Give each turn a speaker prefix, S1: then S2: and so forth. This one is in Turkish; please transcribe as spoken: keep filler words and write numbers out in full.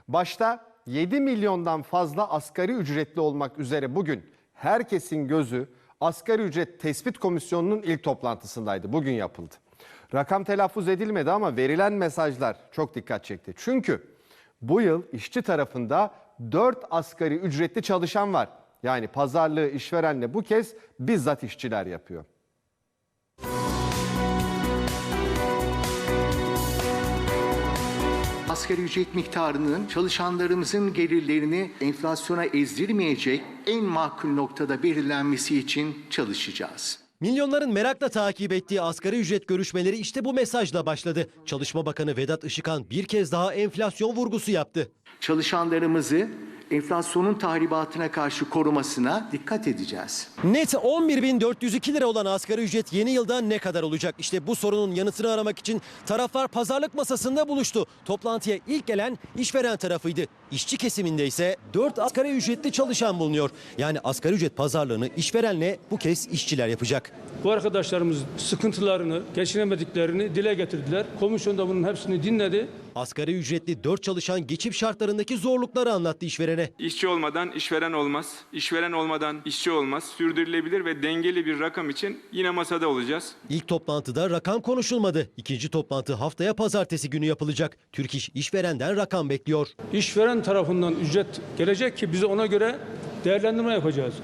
S1: Başta yedi milyondan fazla asgari ücretli olmak üzere bugün herkesin gözü Asgari Ücret Tespit Komisyonu'nun ilk toplantısındaydı. Bugün yapıldı. Rakam telaffuz edilmedi ama verilen mesajlar çok dikkat çekti. Çünkü bu yıl işçi tarafında dört asgari ücretli çalışan var. Yani pazarlığı işverenle bu kez bizzat işçiler yapıyor.
S2: Asgari ücret miktarının çalışanlarımızın gelirlerini enflasyona ezdirmeyecek en makul noktada belirlenmesi için çalışacağız.
S3: Milyonların merakla takip ettiği asgari ücret görüşmeleri işte bu mesajla başladı. Çalışma Bakanı Vedat Işıkhan bir kez daha enflasyon vurgusu yaptı.
S2: Çalışanlarımızı enflasyonun tahribatına karşı korumasına dikkat edeceğiz.
S3: Net on bir bin dört yüz iki lira olan asgari ücret yeni yılda ne kadar olacak? İşte bu sorunun yanıtını aramak için taraflar pazarlık masasında buluştu. Toplantıya ilk gelen işveren tarafıydı. İşçi kesiminde ise dört asgari ücretli çalışan bulunuyor. Yani asgari ücret pazarlığını işverenle bu kez işçiler yapacak.
S4: Bu arkadaşlarımız sıkıntılarını, geçinemediklerini dile getirdiler. Komisyon da bunun hepsini dinledi.
S3: Asgari ücretli dört çalışan geçim şartlarındaki zorlukları anlattı işverene.
S5: İşçi olmadan işveren olmaz, işveren olmadan işçi olmaz. Sürdürülebilir ve dengeli bir rakam için yine masada olacağız.
S3: İlk toplantıda rakam konuşulmadı. İkinci toplantı haftaya pazartesi günü yapılacak. Türk İş işverenden rakam bekliyor.
S4: İşveren tarafından ücret gelecek ki biz ona göre değerlendirme yapacağız.